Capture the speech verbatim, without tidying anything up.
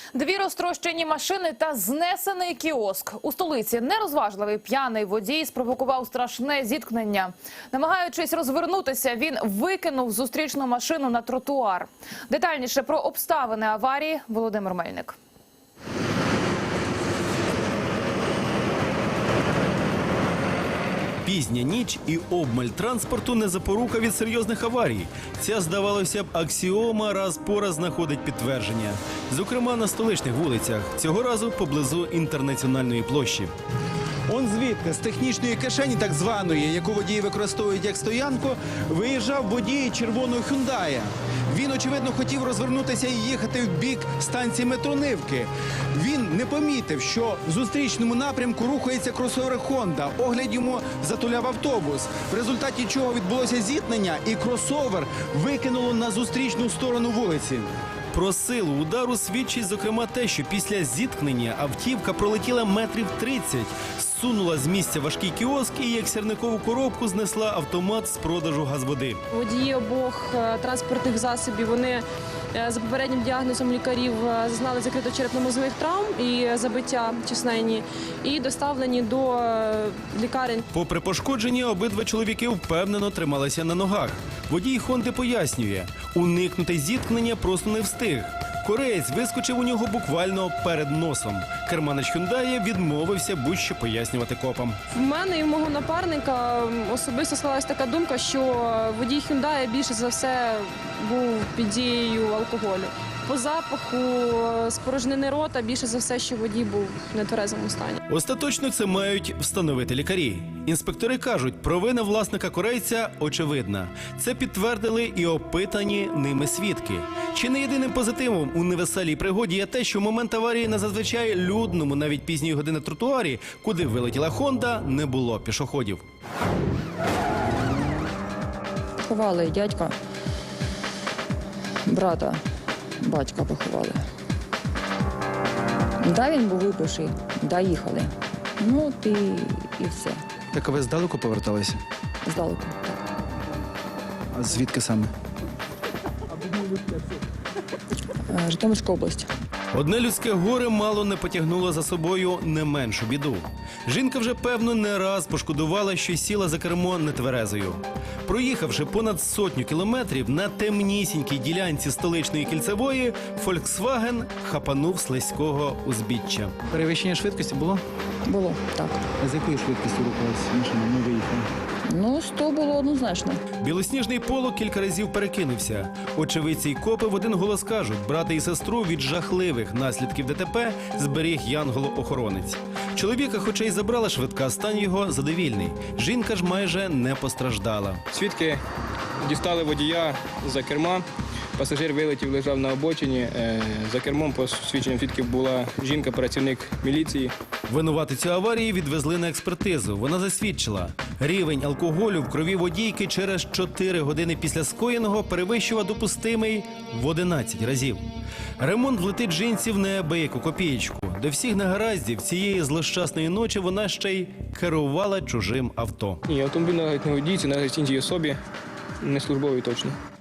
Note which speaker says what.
Speaker 1: Дві розтрощені машини та знесений кіоск. У столиці нерозважливий п'яний водій спровокував страшне зіткнення. Намагаючись розвернутися, він викинув зустрічну машину на тротуар. Детальніше про обставини аварії Володимир Мельник.
Speaker 2: Пізня ніч і обмаль транспорту не запорука від серйозних аварій. Ця, здавалося б, аксіома раз по раз знаходить підтвердження. Зокрема, на столичних вулицях. Цього разу поблизу Інтернаціональної площі.
Speaker 3: Он звідти, з технічної кишені так званої, яку водії використовують як стоянку, виїжджав водій червоного «Хюндая». Він, очевидно, хотів розвернутися і їхати в бік станції метро Нивки. Він не помітив, що в зустрічному напрямку рухається кросовер «Хонда». Огляд йому затуляв автобус, в результаті чого відбулося зіткнення, і кросовер викинуло на зустрічну сторону вулиці.
Speaker 2: Про силу удару свідчить, зокрема, те, що після зіткнення автівка пролетіла метрів тридцять, зсунула з місця важкий кіоск і, як сірникову коробку, знесла автомат з продажу газводи.
Speaker 4: Водії обох транспортних засобів, вони за попереднім діагнозом лікарів зазнали закрито-черепно-мозгових травм і забиття численні, і доставлені до лікарень.
Speaker 2: Попри пошкодження, обидва чоловіки впевнено трималися на ногах. Водій «Хонди» пояснює, уникнути зіткнення просто не встиг. Кореєць вискочив у нього буквально перед носом. Керманич «Хюндая» відмовився будь-що пояснювати копам.
Speaker 4: В мене і в мого напарника особисто склалась така думка, що водій «Хюндая» більше за все був під дією алкоголю. По запаху спорожнини рота більше за все, що водій був в нетверезому стані.
Speaker 2: Остаточно це мають встановити лікарі. Інспектори кажуть, провина власника корейця очевидна. Це підтвердили і опитані ними свідки. Чи не єдиним позитивом у невеселій пригоді є те, що в момент аварії на зазвичай людному, навіть пізньої години тротуарі, куди вилетіла «Хонда», не було пішоходів.
Speaker 5: Поховали дядька, брата, батька поховали. Да, він був випивший, да, їхали. Ну, і, і все.
Speaker 3: Так а ви здалеку поверталися?
Speaker 5: Здалеку, так.
Speaker 3: А звідки саме?
Speaker 5: Е, Житомирська область.
Speaker 2: Одне людське горе мало не потягнуло за собою не меншу біду. Жінка вже, певно, не раз пошкодувала, що сіла за кермо нетверезою. Проїхавши понад сотню кілометрів на темнісінькій ділянці столичної кільцевої, «Фольксваген» хапанув слизького узбіччя.
Speaker 3: Перевищення швидкості було?
Speaker 5: Було, так.
Speaker 3: А з якою швидкістю рухалася машина? Ми виїхали.
Speaker 5: Ну, сто було однозначно.
Speaker 2: Білосніжний поло кілька разів перекинувся. Очевидці й копи в один голос кажуть, брата і сестру від жахливих наслідків ДТП зберіг янголо-охоронець. Чоловіка, хоча й забрала швидка, стан його задовільний. Жінка ж майже не постраждала.
Speaker 6: Свідки дістали водія за керма. Пасажир вилетів, лежав на обочині. За кермом, по свідченням свідків, була жінка, працівник міліції.
Speaker 2: Винуватицю аварії відвезли на експертизу. Вона засвідчила, рівень алкоголю в крові водійки через чотири години після скоєного перевищував допустимий в одинадцять разів. Ремонт влетить жінці в неабияку копієчку. До всіх негараздів цієї злощасної ночі вона ще й керувала чужим авто.
Speaker 6: І автомобіль належить не водійці, належить іншій особі, не службовій точно.